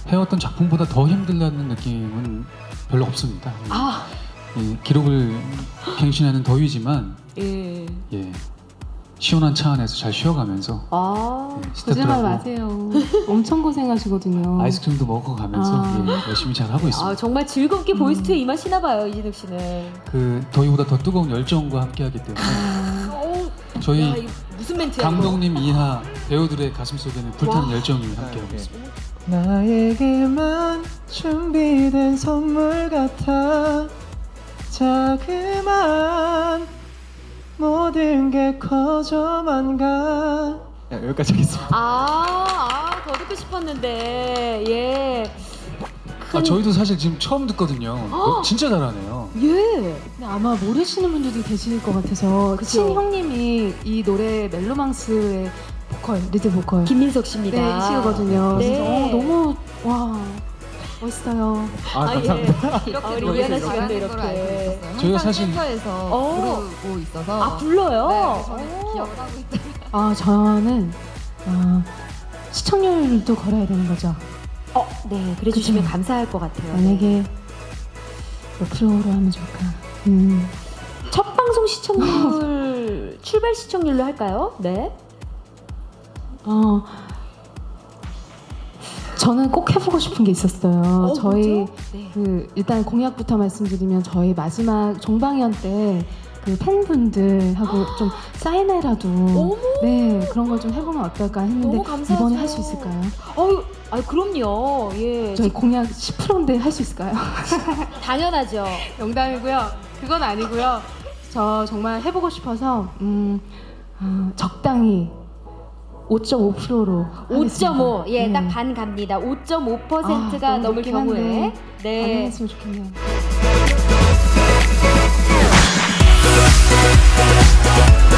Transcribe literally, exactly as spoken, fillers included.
해왔던 작품보다 더 힘들다는 느낌은 별로 없습니다. 아, 예, 기록을 갱신하는 더위지만 예. 예, 시원한 차 안에서 잘 쉬어가면서 아, 예, 거짓말 스태프들하고 마세요. 엄청 고생하시거든요. 아이스크림도 먹어가면서 아. 예, 열심히 잘 하고 있습니다. 아 정말 즐겁게 보이스트에 임하시나 봐요, 이진욱 씨는. 그 더위보다 더 뜨거운 열정과 함께하기 때문에 어우, 야, 저희 이거 무슨 멘트야? 이거? 감독님 이하 배우들의 가슴 속에는 불타는 와. 열정이 함께하고 있습니다. 나에게만 준비된 선물 같아 자그만 모든 게 커져만 가. 야, 여기까지 하겠습니다. 아, 아, 더 듣고 싶었는데, 예. 아, 저희도 사실 지금 처음 듣거든요. 어, 진짜 잘하네요. 예. 근데 아마 모르시는 분들도 계실 것 같아서 그쵸. 친형님이 이 노래 멜로망스의 보컬, 리드 보컬 김민석 씨입니다. 네, 이시거든요. 네. 그래서 어, 너무 와 멋있어요. 아, 감사합니다. 예. 이렇게 아, 우리 노래를 이하나 씨가 또 하는 걸 알고 이렇게. 있었어요. 저희가 항상 사실- 센터에서 어. 부르고 있어서 아, 불러요? 네, 저는 어. 기억을 하고 있다. 아 저는 아, 시청률도 걸어야 되는 거죠. 어, 네. 그래 주시면 그쵸. 감사할 것 같아요. 만약에 몇 프로로 하면 좋을까? 음, 첫 방송 시청률, 출발 시청률로 할까요? 네. 어, 저는 꼭 해보고 싶은 게 있었어요. 어, 저희 뭐죠? 네. 그 일단 공약부터 말씀드리면 저희 마지막 종방연 때 그 팬분들하고 좀 사인회라도 어머. 네 그런 걸 좀 해보면 어떨까 했는데 너무 감사하죠. 이번에 할 수 있을까요? 어유, 아, 그럼요. 예. 저희 공약 십 퍼센트인데 할 수 있을까요? 당연하죠. 농담이고요. 그건 아니고요. 저 정말 해보고 싶어서 음, 어, 적당히 오 점 오 퍼센트로 오 점 오. 예, 네. 딱 반 갑니다. 오 점 오 퍼센트가 아, 너무 넘을 높긴 경우에. 한데 네. 가능했으면 좋겠네요. We'll be right back.